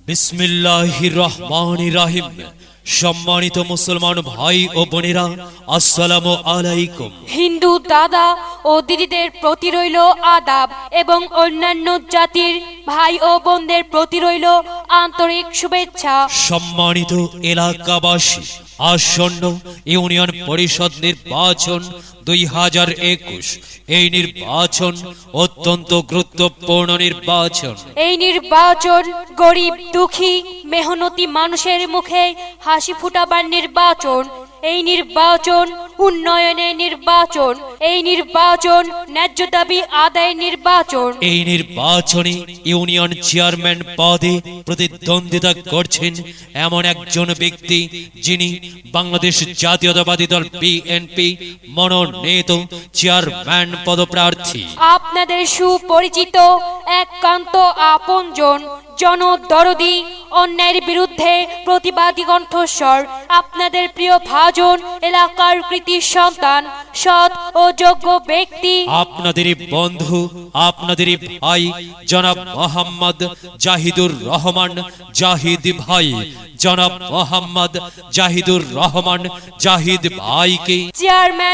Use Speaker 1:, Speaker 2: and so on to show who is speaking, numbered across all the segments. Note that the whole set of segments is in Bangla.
Speaker 1: বিসমিল্লাহির রহমানির রহিম। সম্মানিত মুসলমান ভাই ও বোনেরা, আসসালামু আলাইকুম।
Speaker 2: হিন্দু দাদা ও দিদিদের প্রতি রইল আদাব এবং অন্যান্য জাতির ভাই ও বোনদের প্রতি রইল আন্তরিক শুভেচ্ছা।
Speaker 1: সম্মানিত এলাকাবাসী, আসন্ন ইউনিয়ন পরিষদ নির্বাচন 2021, এই নির্বাচন অত্যন্ত গুরুত্বপূর্ণ নির্বাচন।
Speaker 2: এই নির্বাচন গরিব দুঃখী মেহনতি মানুষের মুখে হাসি ফুটাবার নির্বাচন। এই নির্বাচন উন্নয়নের নির্বাচন। এই নির্বাচন ন্যায্য দাবি আদায়ের নির্বাচন।
Speaker 1: এই নির্বাচনে ইউনিয়ন চেয়ারম্যান পদে প্রতিদ্বন্দ্বিতা করছেন এমন একজন ব্যক্তি, যিনি বাংলাদেশ জাতীয়তাবাদী দল বিএনপি মনোনীত চেয়ারম্যান পদপ্রার্থী।
Speaker 2: আপনাদের সুপরিচিত একান্ত আপনজন, জনদরদি, অন্যায়ের বিরুদ্ধে প্রতিবাদী কণ্ঠস্বর, আপনাদের প্রিয় ভাজন, এলাকার কৃতি সন্তান, সৎ ও যোগ্য ব্যক্তি,
Speaker 1: আপনাদেরই বন্ধু, আপনাদেরই ভাই জনাব মোহাম্মদ জাহিদুর রহমান জাহিদ ভাই। জনাব মোহাম্মদ জাহিদুর রহমান জাহিদ ভাইকে
Speaker 2: চেয়ারম্যান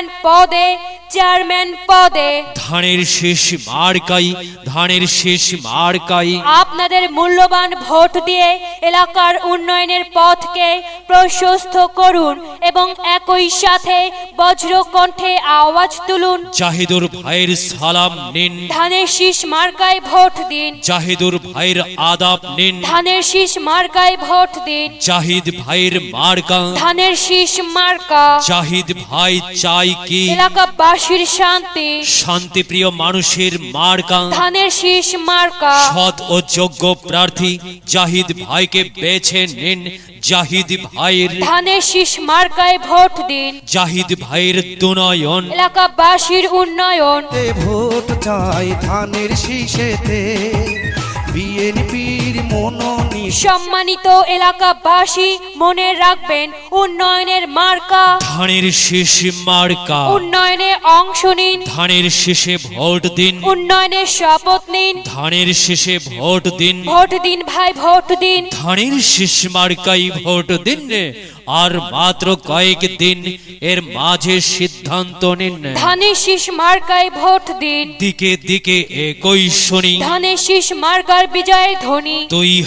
Speaker 2: পদে
Speaker 1: ধানের শেষ মার্কাই, ধানের শেষ মার্কাই
Speaker 2: আপনাদের মূল্যবান ভোট দিয়ে এলাকার উন্নয়নের পথকে প্রশস্ত করুন এবং একই সাথে বজ্র কণ্ঠে আওয়াজ তুলুন।
Speaker 1: জাহিদুর ভাইয়ের সালাম নিন,
Speaker 2: ধানের শীষ মার্কায় ভোট দিন।
Speaker 1: জাহিদুর ভাইয়ের আদাব নিন,
Speaker 2: ধানের শীষ মার্কায় ভোট দিন।
Speaker 1: জাহিদ ভাইয়ের মার্কা,
Speaker 2: ধানের শীষ মার্কা।
Speaker 1: জাহিদ ভাই চাই কি
Speaker 2: এলাকাবাসীর শান্তি,
Speaker 1: শান্তিপ্রিয় মানুষের মার্কা।
Speaker 2: ধানের শীষ মার্কা।
Speaker 1: সৎ ও যোগ্য প্রার্থী জাহিদ ভাইকে বেছে নিন। জাহিদ ভাইয়ের
Speaker 2: ধানের শীষ মার্কায় ভোট দিন।
Speaker 1: জাহিদ ভাইয়ের দুনয়ন,
Speaker 2: এলাকাবাসীর উন্নয়ন।
Speaker 3: ভোট চাই ধানের শীষেতে, বিএনপির মনোনীত।
Speaker 2: সম্মানিত এলাকাবাসী, মনে রাখবেন উন্নয়নের মার্কা,
Speaker 1: ধানের শেষ মার্কা।
Speaker 2: উন্নয়নে অংশ নিন।
Speaker 1: ধানের শেষে ভোট দিন,
Speaker 2: উন্নয়নের শপথ নিন।
Speaker 1: ধানের শেষে ভোট দিন,
Speaker 2: ভোট দিন ভাই, ভোট দিন।
Speaker 1: ধানের শেষ মার্কাই ভোট দিন। আর মাত্র কয়েক দিন এর মাঝে সিদ্ধান্ত নিন।
Speaker 2: ধানের শীষ মার্কায় ভোট দিন।
Speaker 1: দিকে দিকে একই শুনি,
Speaker 2: ধানের শীষ মার্কার বিজয়ের ধ্বনি।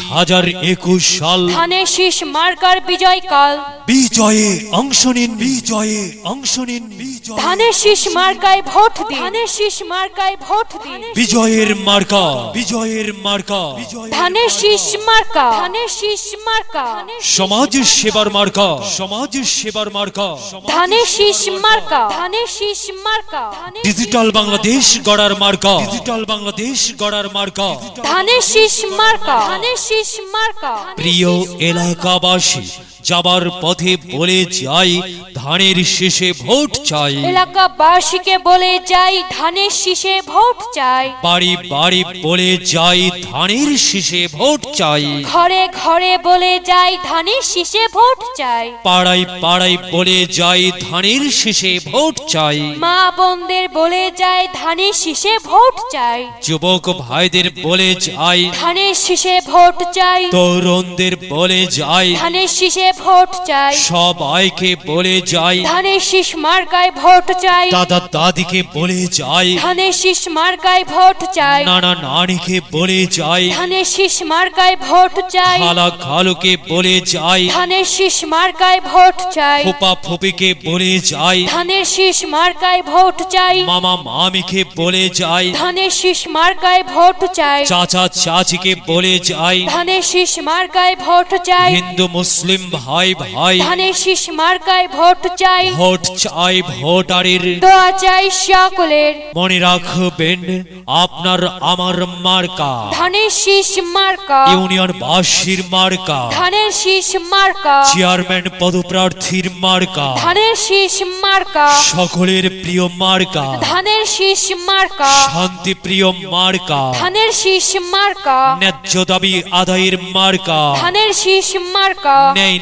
Speaker 1: 2021 সাল
Speaker 2: ধানের শীষ মার্কার বিজয় কাল।
Speaker 1: বিজয়ে অংশ নিন, বিজয়ে অংশ নিন, বিজয়ে
Speaker 2: ধানের শীষ মার্কায় ভোট দিন। ধানের শীষ মার্কায় ভোট দিন।
Speaker 1: বিজয়ের মার্কা, বিজয়ের মার্কা,
Speaker 2: ধানের শীষ মার্কা। ধানের শীষ মার্কা।
Speaker 1: সমাজ সেবার মার্কা, সমাজ সেবার মার্কা,
Speaker 2: ধানের শীষ মার্কা। ধানের শীষ মার্কা।
Speaker 1: ডিজিটাল বাংলাদেশ গড়ার মার্কা, ডিজিটাল বাংলাদেশ গড়ার মার্কা।
Speaker 2: ধানের শীষ মার্কা। ধানের শীষ মার্কা।
Speaker 1: প্রিয় এলাকাবাসী, যাবার পথে বলে যাই ধানের শেষে ভোট চাই।
Speaker 2: এলাকাবাসীকে বলে যাই ধানের শীষে ভোট চাই।
Speaker 1: বাড়ি বাড়ি বলে যাই ধানের শেষে ভোট চাই।
Speaker 2: ঘরে ঘরে বলে যাই ধানের শীষে ভোট চাই।
Speaker 1: পাড়ায় পাড়ায় বলে যাই ধানের শেষে ভোট চাই।
Speaker 2: মা বোনদের বলে যাই ধানের শীষে ভোট চাই।
Speaker 1: যুবক ভাইদের বলে যাই
Speaker 2: ধানের শীষে ভোট চাই।
Speaker 1: তরুণদের বলে যাই
Speaker 2: ধানের শীষে ভোট চাই।
Speaker 1: সবাইকে বলে যাই
Speaker 2: ধানের শীষ মার্কায় ভোট চাই।
Speaker 1: দাদা দাদিকে বলে যাই,
Speaker 2: ধানের শীষ মার্কায় ভোট চাই।
Speaker 1: নানা নানিকে বলে যাই,
Speaker 2: ধানের শীষ মার্কায় ভোট চাই।
Speaker 1: খালা খালুকে বলে যাই,
Speaker 2: ধানের শীষ মার্কায় ভোট চাই।
Speaker 1: ফুপা ফুপিকে বলে যাই,
Speaker 2: ধানের শীষ মার্কায় ভোট চাই।
Speaker 1: মামা মামিকে বলে যাই,
Speaker 2: ধানের শীষ মার্কায় ভোট চাই।
Speaker 1: চাচা চাচিকে বলে যাই,
Speaker 2: ধানের শীষ মার্কায় ভোট চাই।
Speaker 1: হিন্দু মুসলিম ভাই ভাই
Speaker 2: ধানের শীষ মার্কায় ভোট চাই।
Speaker 1: ভোট চাই ভোটারের।
Speaker 2: দোয়া চাই সকলের।
Speaker 1: মনে রাখবেন আপনার আমার মার্কা,
Speaker 2: ধানের শীষ মার্কা।
Speaker 1: ইউনিয়ন বাসীর মার্কা,
Speaker 2: ধানের শীষ মার্কা।
Speaker 1: চেয়ারম্যান পদপ্রার্থীর মার্কা,
Speaker 2: ধানের শীষ মার্কা।
Speaker 1: সকলের প্রিয় মার্কা,
Speaker 2: ধানের শীষ মার্কা।
Speaker 1: শান্তি প্রিয় মার্কা,
Speaker 2: ধানের শীষ মার্কা।
Speaker 1: ন্যায্য দাবি আদায়ের মার্কা,
Speaker 2: ধানের শীষ মার্কা।
Speaker 1: ন্যায়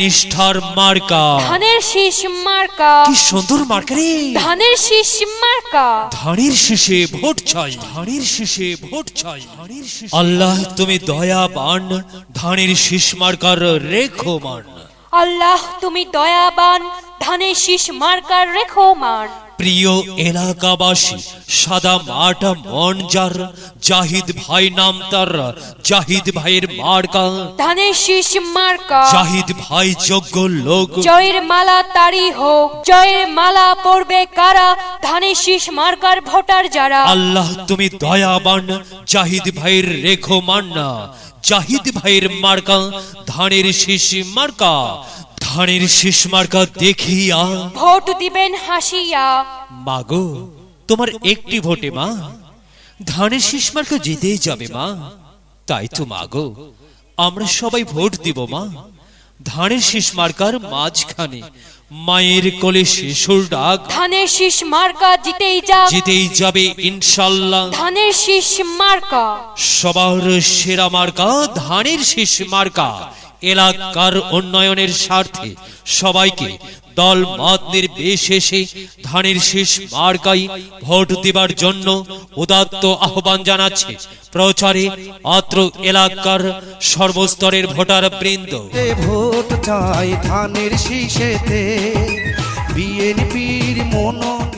Speaker 1: নিষ্ঠার মার্কা
Speaker 2: ধানের শীষ মার্কা
Speaker 1: কি সুন্দর মার্কা রে
Speaker 2: ধানের শীষ মার্কা
Speaker 1: ধানের শীষে ভোট চাই ধানের শীষে ভোট চাই ধানের শীষে আল্লাহ তুমি দয়াবান ধানের শীষ মার্কার রেখো মান
Speaker 2: আল্লাহ তুমি দয়াবান ধানের শীষ মার্কার রেখো মান
Speaker 1: প্রিয় এলাকাবাসী সাদা মাটা মন যার জাহিদ ভাই নাম তার জাহিদ ভাইয়ের মার্কা
Speaker 2: ধানের শীষ মার্কা
Speaker 1: জাহিদ ভাই যোগ্য লোক
Speaker 2: জয়ের মালা তারি হোক জয়ের মালা পড়বে কারা ধানের শীষ মার্কার ভোটার যারা
Speaker 1: আল্লাহ তুমি দয়াবান জাহিদ ভাইয়ের রেখো মান্না জাহিদ ভাইয়ের মার্কা ধানের শীষ মার্কা ধানের শীষ মার্কা দেখিয়া
Speaker 2: ভোট দিবেন হাসিয়া
Speaker 1: মাগো তোমার একটি ভোটে মা ধানের শীষ মার্কা জিতেই যাবে মা তাই তো মাগো আমরা সবাই ভোট দিব মা ধানের শীষ মার্কার মাঝখানে মায়ের কোলে শিশুর ডাক
Speaker 2: ধানের শীষ মার্কা জিতেই যা
Speaker 1: জিতেই যাবে ইনশাল্লাহ
Speaker 2: ধানের শীষ মার্কা
Speaker 1: সবার সেরা মার্কা ধানের শীষ মার্কা এলাকার উন্নয়নের স্বার্থে সবাইকে দল মত নির্বিশেষে ধানের শীষ মার্কাই ভোট দেবার জন্য উদাত্ত আহ্বান জানাচ্ছে প্রচারে অত্র এলাকার সর্বস্তরের ভোটার বৃন্দ
Speaker 3: ভোট চাই ধানের শীষেতে বিএনপির মনোনীত